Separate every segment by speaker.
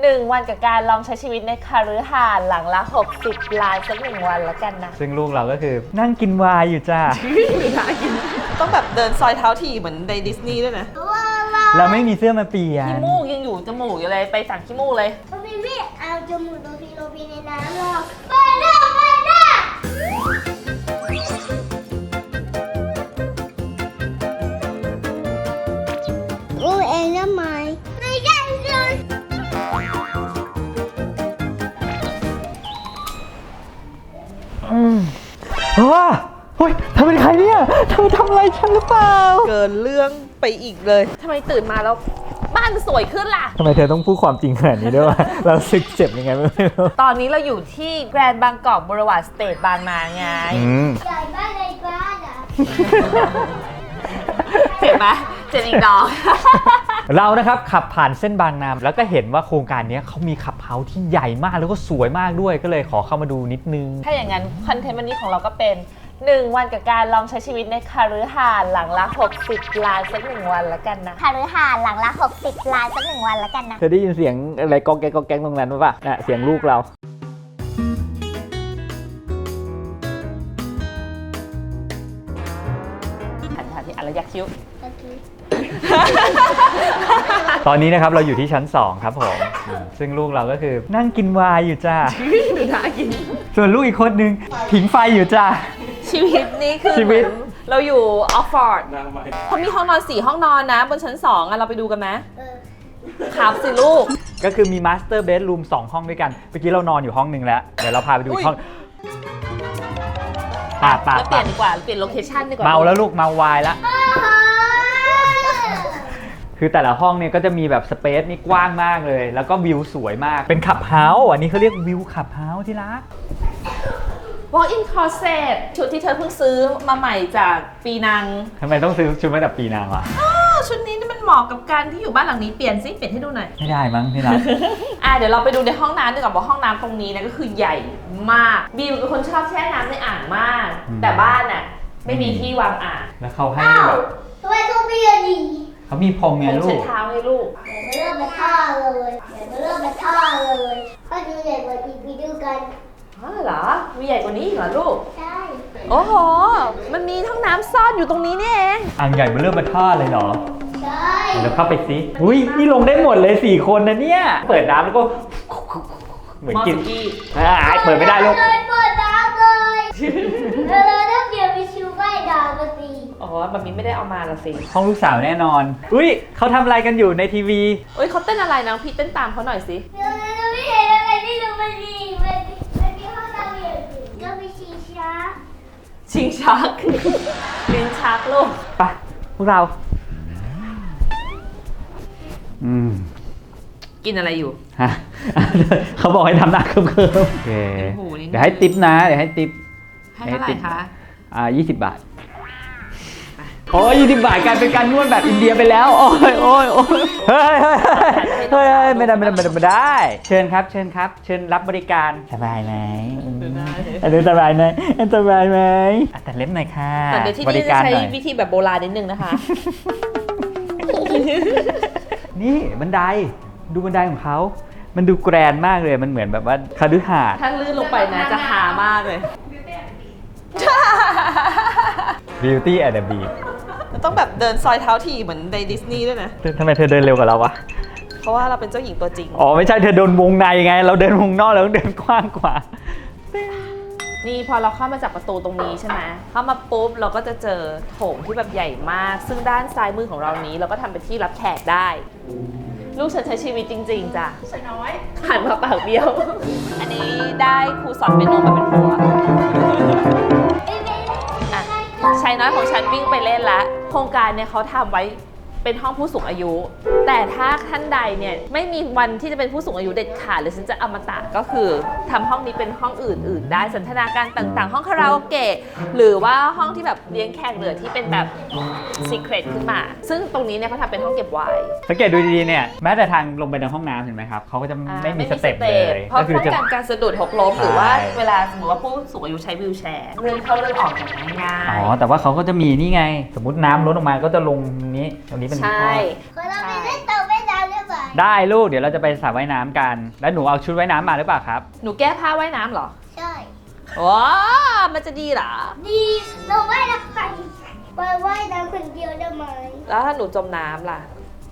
Speaker 1: 1 วันกับการลองใช้ชีวิตในคฤหาสน์หลังละ60 ล้านสัก1 วันแล้วกันนะ
Speaker 2: ซึ่งลูกเราก็คือนั่งกินวายอยู่จ้า
Speaker 3: ต้องแบบเดินซอยเท้าถี่เหมือนในดิสนีย์ด้วยนะ
Speaker 2: เราไม่มีเสื้อมาเปลี่ยน
Speaker 1: ขี้มูกยังอยู่จมูกอยู่เลยไปสั่งขี้มูกเลย
Speaker 4: พี่เอาจมูกโรบีในน้ำหรอไปเด้อรู้เองได้ไหมไม่ได้เลย
Speaker 2: เฮ้ยเธอเป็นใครเนี่ยเธอทำอะไรฉันหรือเปล่า
Speaker 3: เกินเรื่องไปอีกเลย
Speaker 1: ทำไมตื่นมาแล้วบ้านสวยขึ้นล่ะ
Speaker 2: ทำไมเธอต้องพูดความจริงขนาดนี้ด้วยวะ เราสึกเจ็บยังไงไม่รู้
Speaker 1: ตอนนี้เราอยู่ที่แกรนด์บางกอกบรวารสเตทบางนาไง
Speaker 4: ใหญ่บ้านในบ้านอ่ะ
Speaker 1: เจ็บไหมเจ็บอีกดอก
Speaker 2: เรานะครับขับผ่านเส้นบางนาแล้วก็เห็นว่าโครงการนี้เขามีขับเฮาส์ที่ใหญ่มากแล้วก็สวยมากด้วยก็เลยขอเข้ามาดูนิดนึง
Speaker 1: ถ้าอย่างนั้นคอนเทนต์วันนี้ของเราก็เป็น1 วันกับการลองใช้ชีวิตในคฤหาสน์หลังละ60 ล้านสัก1 วันแล้วกันนะ
Speaker 4: คฤหาสน์หลังละ60 ล้านสัก1 วันแล้วกันนะ
Speaker 2: เธอได้ยินเสียงอะไรกองแกงกองแกงตรงนั้นป่ะน่ะเสียงลูกเรา
Speaker 1: หันที่อะไรยักคิ้ว
Speaker 2: ตอนนี้นะครับเราอยู่ที่ชั้น2ครับผมซึ่งลูกเราก็คือนั่งกินวายอยู่จ้า
Speaker 1: ดูน่ากิน
Speaker 2: ส่วนลูกอีกคนนึงผิงไฟอยู่จ้า
Speaker 1: ชีวิตนี้คือ
Speaker 2: ชีวิต
Speaker 1: เราอยู่ออฟฟอร์ดเขามีห้องนอน4 ห้องนอนนะบนชั้น2อ่ะเราไปดูกันไหมครับสิลูก
Speaker 2: ก็คือมีมาสเตอร์เบดรูม2 ห้องด้วยกันเมื่อกี้เรานอนอยู่ห้องนึงแล้วเดี๋ยวเราพาไปดูอีกห้องป่า
Speaker 1: แล้วเปลี่ยนดีกว่าเปลี่ยนโลเคชั่นดีกว่า
Speaker 2: เมาแล้วลูกเมาวายแล้วคือแต่ละห้องเนี่ยก็จะมีแบบสเปซนี่กว้างมากเลยแล้วก็วิวสวยมากเป็นขับเฮาส์อันนี้เขาเรียกวิวขับเฮาส์ที่รัก
Speaker 1: Walk-in closet ชุดที่เธอเพิ่งซื้อมาใหม่จากปีนัง
Speaker 2: ทำไมต้องซื้อชุดมาจากปีนางวะ
Speaker 1: ชุดนี้นี่มันเหมาะกับการที่อยู่บ้านหลังนี้เปลี่ยนซิเปลี่ยนให้ดูหน่อย
Speaker 2: ไม่ได้มั้งที่รัก
Speaker 1: เดี๋ยวเราไปดูในห้องน้ำดีกว่าว่าห้องน้ำตรงนี้นะก็คือใหญ่มากบีมเป็นคนชอบแช่น้ำในอ่างมาก แต่บ้านน่ะไม่มีที่วางอ่าง
Speaker 2: แล้วเขาให้
Speaker 4: อ้าว
Speaker 2: แบบ
Speaker 4: ทำไมต้องมีอันนี้
Speaker 2: เขามีพรมไง
Speaker 1: ผม
Speaker 2: ลู
Speaker 1: เช็ด
Speaker 2: ก
Speaker 1: เท้าให้ลูก
Speaker 4: เดี๋ยวมาเริ่มมาท่าเลยเดี๋ยวมาเริ่มมาท่าเลยถ้าดูใหญ่กว่าอีกไปดูกัน
Speaker 1: เหรอ มีใหญ่กว่านี้อีกเหรอลูก
Speaker 4: ใช่
Speaker 1: โอ้โห มันมีห้องน้ำซ่อนอยู่ตรงนี้นี่เอง
Speaker 2: อ่างใหญ่มาเริ่มมาท่าเลยเหรอ
Speaker 4: ใช่
Speaker 2: เดี๋ยวเข้าไปสิอุ้ยนี่ลงได้หมดเลย4 คนนะเนี่ยเปิดน้ำแล้วก็เหมือน
Speaker 1: มอ
Speaker 2: กิน
Speaker 1: สกี้
Speaker 2: เปิดไม่ได้ลูก
Speaker 4: เลยเปิดน้ำเลยเราต้องเดี๋ยวไปชูใบดาวมาสิ
Speaker 1: อ๋อแบบนี้ไม่ได้เอามาละสิ
Speaker 2: ห้องลูกสาวแน่นอนอุ้ยเขาทำอะไรกันอยู่ในทีวี
Speaker 1: เอ้ยเขาเต้นอะไรนะพี่เต้นตามเขาหน่อยสิ
Speaker 4: เราไม่เห็นอะไรที่ดูมันดีมันมีห้องน้ำอย่างอื่นก็มีชิงช้า
Speaker 1: ชิงชัก ลิ้นชักลูก
Speaker 2: ไปพวกเรา
Speaker 1: กินอะไรอยู่
Speaker 2: ฮะ เขาบอกให้ทำหน้าเคิมๆโอเค
Speaker 1: โอ้โหนี่
Speaker 2: เดี๋ยวให้ติปนะเดี๋ยวให้ติป
Speaker 1: ให้เท่าไหร่คะ
Speaker 2: 20 บาทโอ้ย20 บาทกลายเป็นการนวดแบบอินเดียไปแล้วโอ้ยโอ้ยโอ้ยเฮ้ยเฮ้ยเฮ้ยไม่ได้เชิญครับเชิญครับเชิญรับบริการสบายไหมสบายไหมสบายไหมแต่เล็บหน่อยค่ะ
Speaker 1: แต่เดี๋ยวที่
Speaker 2: บ
Speaker 1: นี่
Speaker 2: ริ
Speaker 1: จะ
Speaker 2: การ
Speaker 1: ใช้
Speaker 2: หน่อย
Speaker 1: วิธีแบบโบราณนิดนึงนะคะ
Speaker 2: นี่บันไดดูบันไดของเขามันดูแกรนด์มากเลยมันเหมือนแบบว่าคฤหาสน์
Speaker 1: ถ้าลื่นลงไปนะจะหามากเลย
Speaker 2: Beauty and the Beast
Speaker 3: ต้องแบบเดินซอยเท้าถี่เหมือนในดิสนีย์ด้วยนะ
Speaker 2: ทำไมเธอเดินเร็วกว่าเราวะ
Speaker 3: เพราะว่าเราเป็นเจ้าหญิงตัวจริง
Speaker 2: อ๋อไม่ใช่เธอเดินวงในไงเราเดินวงนอกเราต้องเดินกว้างกว่า
Speaker 1: นี่พอเราเข้ามาจากประตูตรงนี้ใช่ไหมเข้ามาปุ๊บเราก็จะเจอโถงที่แบบใหญ่มาก ซึ่งด้านซ้ายมือของเรานี้เราก็ทำเป็นที่รับแขกได้ ลูกฉันใช้ชีวิตจริงๆจ้ะชายน้อยหันมาปากเบี้ยว อันนี้ได้ครูสอนเปียโนมาเป็นผัวอ่ะชายน้อยของฉันวิ่งไปเล่นละโครงการเนี่ยเขาทำไว้เป็นห้องผู้สูงอายุ แต่ถ้าท่านใดเนี่ยไม่มีวันที่จะเป็นผู้สูงอายุเด็ดขาดหรือฉันจะอมตะก็คือทำห้องนี้เป็นห้องอื่นๆได้สันทนาการต่างๆ ห้องคาราโอเกะหรือว่าห้องที่แบบเลี้ยงแขกเหลือที่เป็นแบบซีเครตขึ้นมา ซึ่งตรงนี้เนี่ยเขาทำเป็นห้องเก็บไวน์
Speaker 2: สังเกตดูดีๆเนี่ยแม้แต่ทางลงไปในห้องน้ำเห็นไหมครับเขาก็จะไม่มีสเต็ปเลย
Speaker 1: เพราะ
Speaker 2: ก็คื
Speaker 1: ป้อง
Speaker 2: จะ
Speaker 1: กันการสะดุดหกล้มหรือว่า
Speaker 2: ใช่
Speaker 1: เวลาสมมติว่าผู้สูงอายุใช้วีลแชร์เลื่อนเข้าเลื่อนออกอย่างง่าย
Speaker 2: อ๋อแต่ว่าเขาก็จะมีนี่ไง สมมติน้ำล้นออกมาก็จะลงนี้ตรงนี้เป็น
Speaker 1: ใช่
Speaker 4: ขอเราไปเล่นเต่าไม่ดาวได้ไหม
Speaker 2: ได้ลูกเดี๋ยวเราจะไปสระว่ายน้ำกัน แล้วหนูเอาชุดว่ายน้ำมาหรือเปล่าครับ
Speaker 1: หนูแก้ผ้าว่ายน้ำเหรอ
Speaker 4: ใช่
Speaker 1: ว้ามันจะดีเหรอ
Speaker 4: ดีเราว่ายน้ำกันไปว่ายน้ำคนเดียวได้ไหม
Speaker 1: แล้วถ้าหนูจมน้ำล่ะ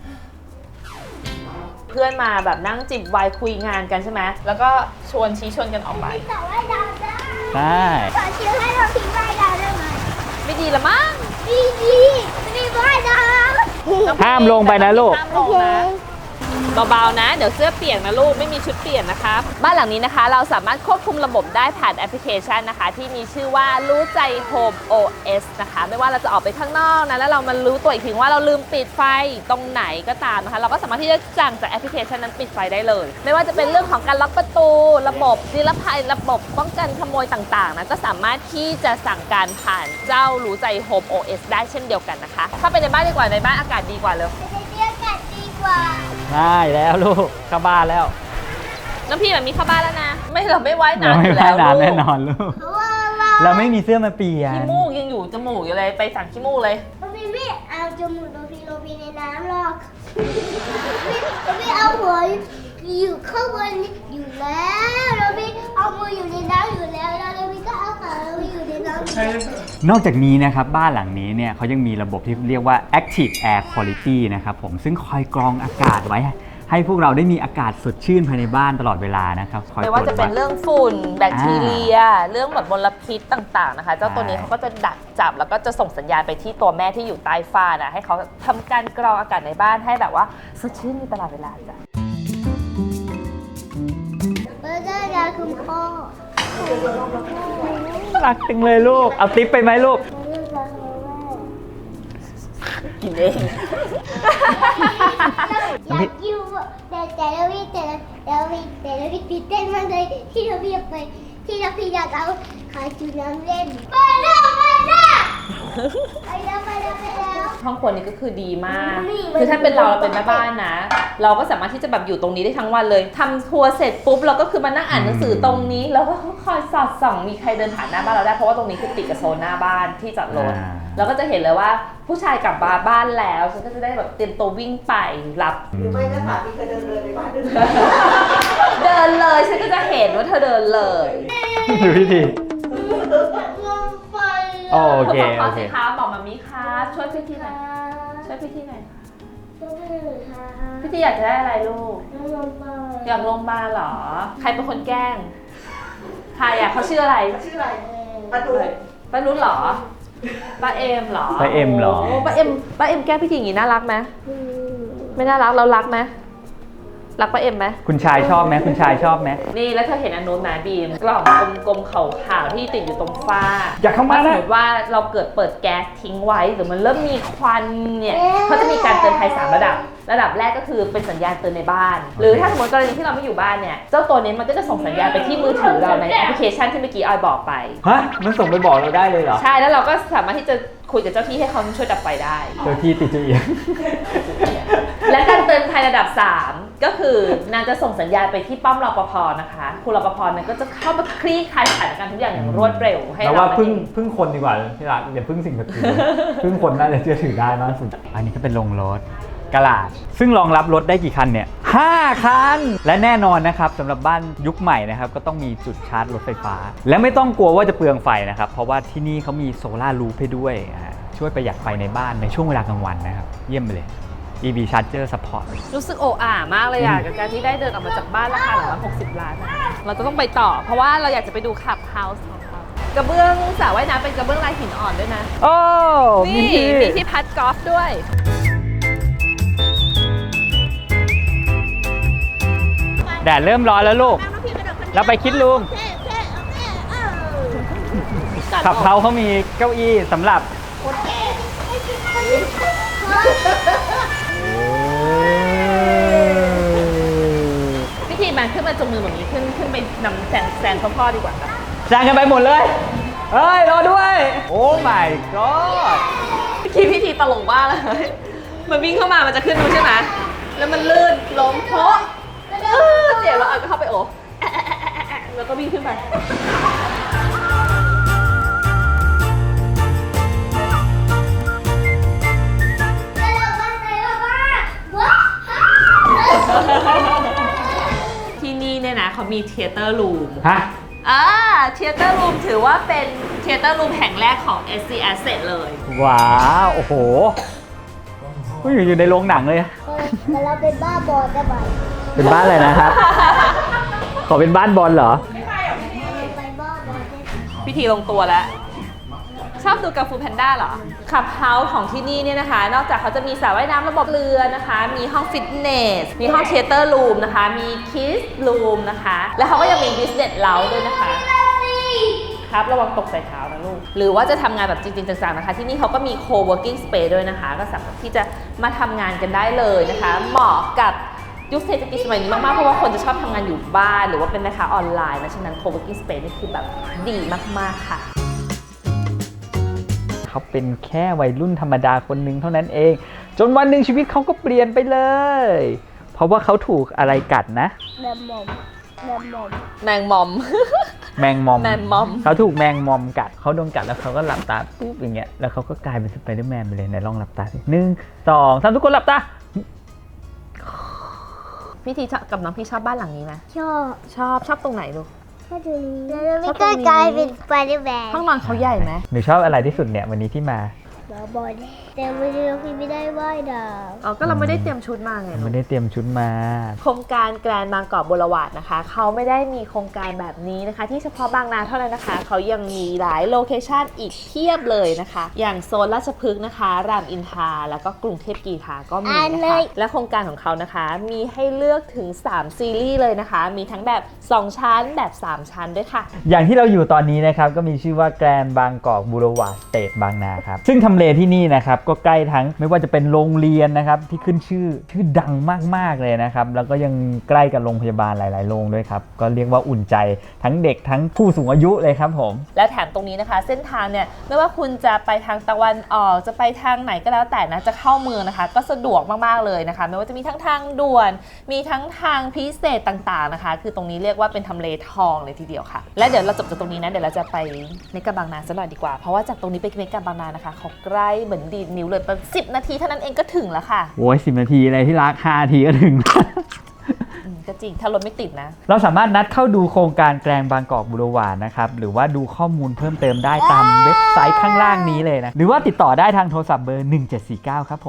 Speaker 1: เพื่อนมาแบบนั่งจิบไวน์คุยงานกันใช่ไหมแล้วก็ชวนชี้ชวนกันออกไป
Speaker 4: แต่ว่ายน้ำได้
Speaker 2: ได้
Speaker 4: ขอเชื่อให้เราทิ้งว่ายน้ำได้ไหม
Speaker 1: ไม่ดีละมั้ง
Speaker 4: ดีไม่ว่ายน้ำ
Speaker 2: ห้ามลงไปนะลูก
Speaker 1: ห้ามลงนะเบาๆนะ เดี๋ยวเสื้อเปียกนะลูกไม่มีชุดเปลี่ยนนะคะบ้านหลังนี้นะคะ เราสามารถควบคุมระบบได้ผ่านแอปพลิเคชันนะคะ ที่มีชื่อว่ารู้ใจ Home OS นะคะ ไม่ว่าเราจะออกไปข้างนอกนะแล้วเรามารู้ตัวอีกทีว่าเราลืมปิดไฟตรงไหนก็ตามนะคะ เราก็สามารถที่จะสั่งจากแอปพลิเคชันนั้นปิดไฟได้เลย ไม่ว่าจะเป็นเรื่องของการล็อกประตู ระบบนิรภัยระบบป้องกันขโมยต่างๆนะก็สามารถที่จะสั่งการผ่านเจ้ารู้ใจ Home OS ได้เช่นเดียวกันนะคะถ้าไปในบ้านดีกว่าในบ้านอากาศดีกว่าเลย
Speaker 4: ในเรื่องกันดีกว่า
Speaker 2: ได้แล้วลูกเข้าบ้านแล้ว
Speaker 1: น้องพี่แบบมีเข้าบ้านแล้วนะ ไม่เราไม่ว่าย
Speaker 2: เรา
Speaker 1: น้ำอ
Speaker 2: ไม่
Speaker 1: ยู่
Speaker 2: ว่าย
Speaker 1: แล้ว
Speaker 2: น้ำแน่
Speaker 1: ลูก
Speaker 2: นอนลูก
Speaker 4: เพราะว่าเรา
Speaker 2: เราไม่มีเสื้อมาเปลี่ยน
Speaker 1: ขี้มูกยังอยู่จมูกอยู่เลยไปสั่งขี้มูกเลย
Speaker 4: ไม่เอาจมูกโรบีในน้ำหรอกไม่เอาหัวอยู่ข้างบนอยู่แล้วโรบีเอามืออยู่ในน้ำอยู่แล้วแล้วโรบีก็เอาขาอยู่ในน้ำ
Speaker 2: นอกจากนี้นะครับบ้านหลังนี้เนี่ยเขายังมีระบบที่เรียกว่า Active Air Quality นะครับผมซึ่งคอยกรองอากาศไว้ ให้พวกเราได้มีอากาศสดชื่นภายในบ้านตลอดเวลานะครับคอย
Speaker 1: ไม่ว่าจะเป็น
Speaker 2: ตรวจ
Speaker 1: เรื่องฝุ่นแบคทีเรีย เรื่องแบบมลพิษต่างๆนะคะ เจ้าตัวนี้เขาก็จะดักจับแล้วก็จะส่งสัญญาณไปที่ตัวแม่ที่อยู่ใต้ฝ้านะให้เขาทำการกรองอากาศในบ้านให้แบบว่าสดชื่นตลอดเวลาจ้ะ
Speaker 4: เบอร์เกอร์ยาคุณพ่อ
Speaker 2: รักจังเลยลูกเอาติ๊บไปไหมลูก
Speaker 1: กินเอง
Speaker 4: อยากอยู่แต่เราพี่ตื่นเต้นมากเลยที่เราพี่อยากไปที่เราพี่อยากเอาขาจูน้ำเล่นไปแล้ว
Speaker 1: ห้องครัวนี้ก็คือดีมาก คือถ้าเป็นเราเป็นแม่บ้านนะ เราก็สามารถที่จะแบบอยู่ตรงนี้ได้ทั้งวันเลยทำครัวเสร็จปุ๊บเราก็คือมานั่งอ่านหนังสือตรงนี้ แล้วก็คอยสอดส่องมีใครเดินผ่านหน้าบ้านเราได้เพราะว่าตรงนี้คือติดกับโซนหน้าบ้านที่จอดรถเราก็จะเห็นเลยว่าผู้ชายกลับมาบ้านแล้วฉันก็จะได้แบบเตรียมตัววิ่งไปรับ
Speaker 3: หรือไม่ก็สามีเคยเดินเลยในบ้านเดิน
Speaker 1: เดินเลยฉันก็จะเห็นว่าเธอเดินเลย
Speaker 2: ดูพิธี
Speaker 4: ไฟ
Speaker 2: โอเค
Speaker 1: ขอ
Speaker 2: โอเค
Speaker 1: สิคะบอกมามิครับช่วยพี่ทีหน่อยช่วยพี่ทีหน่อยพี่ทีอยากจะได้อะไรลูก อยากลงมาลเหรอ ใครเป็นคนแกล้ง ใครอ่ะเขาชื่ออะไร
Speaker 3: ชื่ออะไรปาดู
Speaker 1: ป้านุชเหรอ ป้าเอ็มเหรอ
Speaker 2: ป้าเอ็มเหรอ
Speaker 1: โป้าเอ็มแกล้งพี่ทีอย่างงี้น่ารักไหมไม่น่ารักเรารักไหมรักป้าเอ็มไหม
Speaker 2: คุณชายชอบไหมคุณชายชอบไหม
Speaker 1: นี่แล้วเธอเห็นอันนู้นไหมบีมกล่องกลมๆขาวๆที่ติดอยู่ตรงฝ้า
Speaker 2: อยากเข้ามา
Speaker 1: ถ้าส
Speaker 2: นะ
Speaker 1: มมติว่าเราเกิดเปิดแก๊สทิ้งไว้หรือมันเริ่มมีควันเนี่ยเขาจะมีการเตือนภัย3ระดับ ระดับแรกก็คือเป็นสัญญาณเตือนในบ้าน หรือถ้าสมมติกรณีที่เราไม่อยู่บ้านเนี่ยเจ้าตัวนี้มันก็จะส่งสัญญาณไปที่มือถือเราในแอปพลิเคชันที่เมื่อกี้ออยบอกไป
Speaker 2: ฮะมันส่งไปบอกเราได้เลยเหรอ
Speaker 1: ใช่แล้วเราก็สามารถที่จะคุยกับเจ้าที่ให้เขาช่วยดับไฟได้
Speaker 2: เจ้าที่ติดเจียง
Speaker 1: และการเตือนภัยระดับ 3 ก็คือนางจะส่งสัญญาณไปที่ป้อมรปภนะคะคุณรปภนั้นก็จะเข้ามาคลี่คลายสถานการณ์ทุกอย่างอย่างรวดเร็วให้
Speaker 2: เรา
Speaker 1: เรา
Speaker 2: ว่า
Speaker 1: มา
Speaker 2: พึ่งคนดีกว่าที่รักอย่าพึ่งสิ่งศักดิ์สิทธิ์พึ่งคนน่าจะเชื่อถือได้มากสุด อันนี้ก็เป็นโรงรถกะลาดซึ่งรองรับรถได้กี่คันเนี่ย5คันและแน่นอนนะครับสำหรับบ้านยุคใหม่นะครับก็ต้องมีจุดชาร์จรถไฟฟ้า และไม่ต้องกลัวว่าจะเปลืองไฟนะครับเพราะว่าที่นี่เขามีโซล่ารูฟให้ด้วยช่วยประหยัดไฟในบ้านในช่วงเวลากลางวันนะครับเยี่ยมไปเลย EV Charger Support
Speaker 1: รู้สึกโอ้อ่ามากเลยอ่ะกับการที่ได้เดินออกมาจากบ้านราคาหลังละ60 ล้านอะเราจะต้องไปต่อ เพราะว่าเราอยากจะไปดูคลับเฮาส์ของเขากระเบื้องสระว่ายน้ำเป็นกระเบื้องลายหินอ่อนด้วยนะ
Speaker 2: โอ้
Speaker 1: นี่มีที่พัดกอล์ฟด้วย
Speaker 2: แดดเริ่มร้อนแล้วลูกเราไปคิดลุงขับเขามีเก้าอี้สำหรับ
Speaker 1: พิธีมันขึ้นมาจงมือแบบนี้ขึ้นไปนำแซงพ่อดีกว่าครับ
Speaker 2: แซงกันไปหมดเลย เฮ้ย รอด้วย โอ้ my god
Speaker 1: พิธีตลกมากเลยมันวิ่งเข้ามามันจะขึ้นดูใช่ไหมแล้วมันลื่นล้มโพะเจ็บแล้วอ่ะก็เข้าไปโอ้แล้วก็วิ่งขึ้นไป
Speaker 4: แล้วเราก็ใส่ว่าว้าว
Speaker 1: นะเขามีเทเตอร์รูม
Speaker 2: ฮะ
Speaker 1: เทเตอร์รูมถือว่าเป็นเทเตอร์รูมแห่งแรกของ SC Asset เลย
Speaker 2: ว้าว โอ้โหอยู่ในโรงหนังเลย
Speaker 4: แต่เราเป็นบ้าบอลได้ไหม
Speaker 2: เป็นบ้านอะไรนะครับ ขอเป็นบ้านบอลเหรอ
Speaker 4: ไปบ้าบอลได้ไหม
Speaker 1: พิธีลงตัวแล้ว ชอบดูกังฟูแพนด้าเหรอขับเฮาส์ของที่นี่เนี่ยนะคะ นอกจากเขาจะมีสระว่ายน้ำระบบเรือนะคะ มีห้องฟิตเนส มีห้องเทเตอร์รูมนะคะ มีคิสรูมนะคะ และเขาก็ยังมีบิสเนสเล้าด้วยนะคะ ครับระวังตกใส่เท้านะลูก หรือว่าจะทำงานแบบจริงๆจังๆนะคะ ที่นี่เขาก็มี co-working space ด้วยนะคะ ก็สามารถที่จะมาทำงานกันได้เลยนะคะ เหมาะกับยุคเศรษฐกิจสมัยนี้มากๆ เพราะว่าคนจะชอบทำงานอยู่บ้านหรือว่าเป็นแม่ค้าออนไลน์นะฉะนั้น co-working space นี่คือแบบดีมากๆค่ะ
Speaker 2: เขาเป็นแค่วัยรุ่นธรรมดาคนหนึ่งเท่านั้นเอง จนวันหนึ่งชีวิตเขาก็เปลี่ยนไปเลย เพราะว่าเขาถูกอะไรกัดนะ
Speaker 4: แมมมอมแมมมอม
Speaker 1: แมงมอม
Speaker 2: แมงมอม
Speaker 1: แมงมอม
Speaker 2: เขาถูกแมงมอมกัดเขาโดนกัดแล้วเขาก็หลับตาปุ๊บอย่างเงี้ยแล้วเขาก็กลายเป็นสไปเดอร์แมนไปเลยไหนลองหลับตาสิ1 2 3ทุกคนหลับตา
Speaker 1: พี่ทีกับน้องพี่ชอบบ้านหลังนี้ไหม
Speaker 4: ชอบ
Speaker 1: ชอบตรงไหนลูก
Speaker 4: ชอบตรงนี้แล้วไม่ก็กลายเป็นสไปเดอร์แมน
Speaker 1: ห้องนอนเขาใหญ่ไหม
Speaker 2: หนูชอบอะไรที่สุดเนี่ยวันนี้ที่มา
Speaker 4: บ้าบอลแต่วันนี้เราไม่ได้ว่ายน้
Speaker 1: อ๋อก็เราไม่ได้เตรียมชุดมาไงลู
Speaker 2: ไม่
Speaker 1: ก
Speaker 2: ได้เตรียมชุดมา
Speaker 1: โครงการแกรนด์บางกอกบูรวาดนะคะเขาไม่ได้มีโครงการแบบนี้นะคะ ที่เฉพาะบางนาเท่านั้นนะคะเขายังมีหลายโลเคชันอีกเพียบเลยนะคะ อย่างโซนราชพฤกษ์นะคะ รามอินทราแล้วก็กรุงเทพกีฬาก็มีนะคะและโครงการของเขานะคะ มีให้เลือกถึง3ซีรีส์เลยนะคะ มีทั้งแบบ2ชั้นแบบ3ชั้นด้วยค่ะ
Speaker 2: อย่างที่เราอยู่ตอนนี้นะครับก็มีชื่อว่าแกรนด์บางกอกบูรวาดสเตทบางนาครับซึ่งทำเลที่นี่นะครับก็ใกล้ทั้งไม่ว่าจะเป็นโรงเรียนนะครับที่ขึ้นชื่อดังมากๆเลยนะครับแล้วก็ยังใกล้กับโรงพยาบาลหลายๆโรงด้วยครับก็เรียกว่าอุ่นใจทั้งเด็กทั้งผู้สูงอายุเลยครับผม
Speaker 1: และแถมตรงนี้นะคะ เส้นทางเนี่ยไม่ว่าคุณจะไปทางตะวันออกจะไปทางไหนก็แล้วแต่นะจะเข้าเมืองนะคะ ก็สะดวกมากๆเลยนะคะไม่ว่าจะมีทั้งทางด่วนมีทั้งทางพิเศษต่างๆนะคะ คือตรงนี้เรียกว่าเป็นทำเลทองเลยทีเดียวค่ะ และเดี๋ยวเราจบจากตรงนี้นะเดี๋ยวเราจะไปเมกะบางนาซะหน่อยดีกว่าเพราะว่าจากตรงนี้ไปเมกะบางนานะคะเขาใกล้เหมือนดีดนิ้วเลยประมาณ10 นาทีเท่านั้นเองก็ถึงแล้วค่ะ
Speaker 2: โอ้ย10 นาทีอะไรที่รัก5 นาทีก็ถึง
Speaker 1: ก็จริงถ้ารถไม่ติดนะ
Speaker 2: เราสามารถนัดเข้าดูโครงการแกรนด์บางกอกบูรวาดนะครับหรือว่าดูข้อมูลเพิ่มเติมได้ตามเว็บไซต์ข้างล่างนี้เลยนะหรือว่าติดต่อได้ทางโทรศัพท์เบอร์ 1749 ครับผม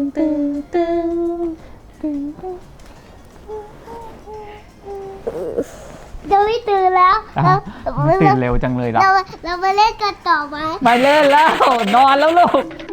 Speaker 4: ำเดี๋ยวไม่ตื่นแล้ว
Speaker 2: อ้าวตื่นเร็วจังเลยเหรอ
Speaker 4: เรามาเล่นกันต่อไหม
Speaker 2: ไม่เล่นแล้วนอนแล้วลูก